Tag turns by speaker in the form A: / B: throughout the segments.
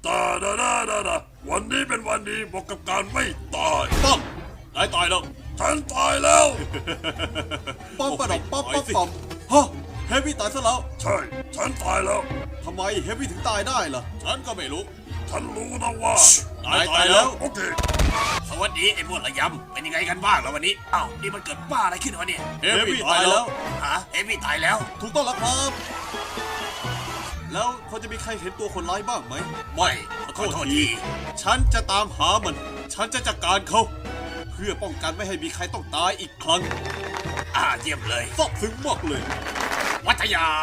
A: ตาดาดาดาดาวันนี้เป็นวันดีบอกกับการไม่ตาย
B: ป้อมนายตายแล้ว
A: ฉันตายแล้ว
B: ป้อมประดอกป้อมป้อมป้อมฮะเฮฟวี่ตายซะแล้ว
A: ใช่ฉันตายแล้ว
B: ทำไมเฮฟวี่ถึงตายได้ล่ะฉันก็ไม่รู้
A: ฉันรู้นะว่าน
B: ายตายแล้ว
A: โอเค
C: สวัสดีไอ้พวกระยำเป็นยังไงกันบ้างแล้ววันนี้อ้าวนี่มันเกิดบ้าอะไรขึ้นวะเนี่ย
B: เฮฟวี่ตายแล้ว
C: ฮะเอมี่ตายแล้ว
B: ถูกต้องแล้วครับ แล้วพอจะมีใครเห็นตัวคนร้ายบ้างไหม
C: ไม่ขอโทษที
B: ฉันจะตามหามัน ฉันจะจัดการเขา เพื่อป้องกันไม่ให้มีใครต้องตายอีกครั้ง
C: เยี่ยมเลย
B: ซอกซึ้งมากเลย
C: วัทยา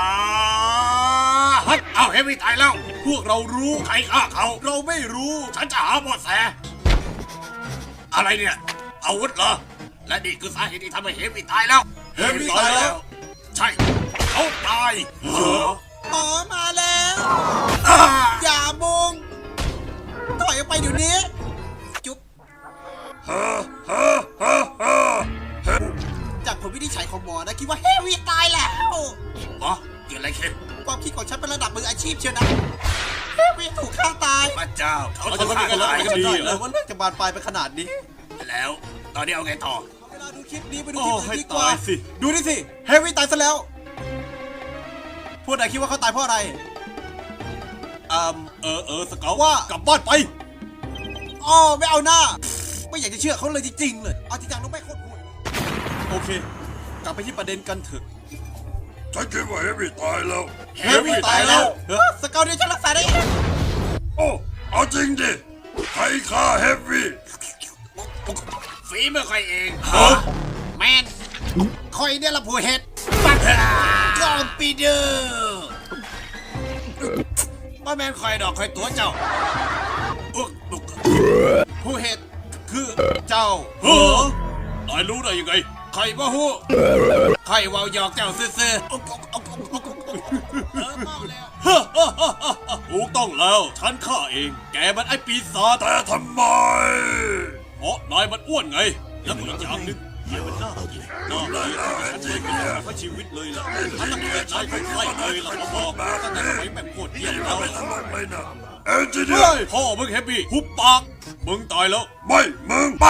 C: เฮ้ยเอาเอมี่ตายแล้ว
B: พวกเรารู้
C: ใครฆ่าเขา
B: เราไม่รู้
C: ฉันจะหาเบาะแสอะไรเนี่ยอาวุธเหรอและนี่คือสาเหตุที่ทำให้เฮฟวี่ตายแล้ว
B: เฮฟวี่ตายแล้ว
C: ใช่เขาตาย
D: หมอมาแล้ว
C: อ่า
D: อย่าบุงถอยออกไปเดี๋ยวนี้ จุ๊บ
A: ฮ่าฮ่าฮ่าฮ่าเฮ้ย
D: จากผลวินิจฉัยของหมอนะคิดว่าเฮวี่ตายแล้ว
C: หมอเกิดอะไรขึ้น
D: ความคิดของฉันเป็นระดับมืออาชีพเชียวนะเฮวี่ถูกฆ่าตาย
C: พระเจ้าเขา
B: เขา
C: จะ
B: จะ
C: ฆ่า
B: ทำยังไง
C: ตาย
B: กัน
C: กัน
B: ดี
C: ดี
B: เหรอว่าเรื่องจะบานปลายไปขนาดนี้
C: แล้วตอนนี้เอาไงต่อ
D: เวลาดูคลิปนี้ไปดู
B: โอ้
D: คลิป
B: ให้
D: อื่นดีกว่า
B: ตายสิ
D: ดูนี่สิเฮวี่ตายซะแล้ว พวกนายคิดว่าเขาตายเพราะอะไร
B: สเกาว่ากลับบ้านไป
D: อ๋อไม่เอาหน้า ไม่อยากจะเชื่อเขาเลยจริงๆเลย เอาจริงจังต้องไม่โคตรห่วย
B: โอเค กลับไปที่ประเด็นกันเถอะ
A: ฉันคิดว่าเฮฟวี่ตายแล้ว
B: เฮฟวี่ตายแล้ว
D: สเกลเดียวฉันรักษาได้เอง
A: โอ้เอาจริงดิใครฆ่าเฮฟวี่
C: ฝีมือใครเอง
D: แมนคอยเนี่ยละผู้เห็ด
C: ปัก
D: กอมปีเดอร์
C: บ่แม่นคอยดอกคอยตัวเจ้าอุ๊กอุ๊ก
D: ผู้เห็ดคือเจ้า
B: เฮ้อนายรู้ได้ยังไง
C: ใครบ่ฮู้ใครเว้าหยอกเจ้าซื่อๆอุ๊กอุ๊กอุ๊กอุ๊กอุ๊กอุ๊กเมาแล้ว
B: ถูกต้องแล้ว ฉันฆ่าเอง แกมันไอ้ปีศาจ
A: แต่ทำไม
B: เพราะนายมันอ้วนไง แล้วก็อีกอย่างหนึงเหี้ยมันน่ากินน่าเลยฉันเคยกินทั้งชีวิตเลยล่ะฉันตั้งแต่ชายคนไข้เลยล่ะมาบอกมาตั้งแต่สมัยแบบโคตรเยี่ยม
A: นี่
B: แล้
A: เรา
B: ว
A: ไม่ตลกเลยนะเอนจิเนีย
B: เฮ้ย
A: ร์
B: พ่อมึงเฮปปี้หุบปาก มึงตายแล้ว
A: ไม่มึง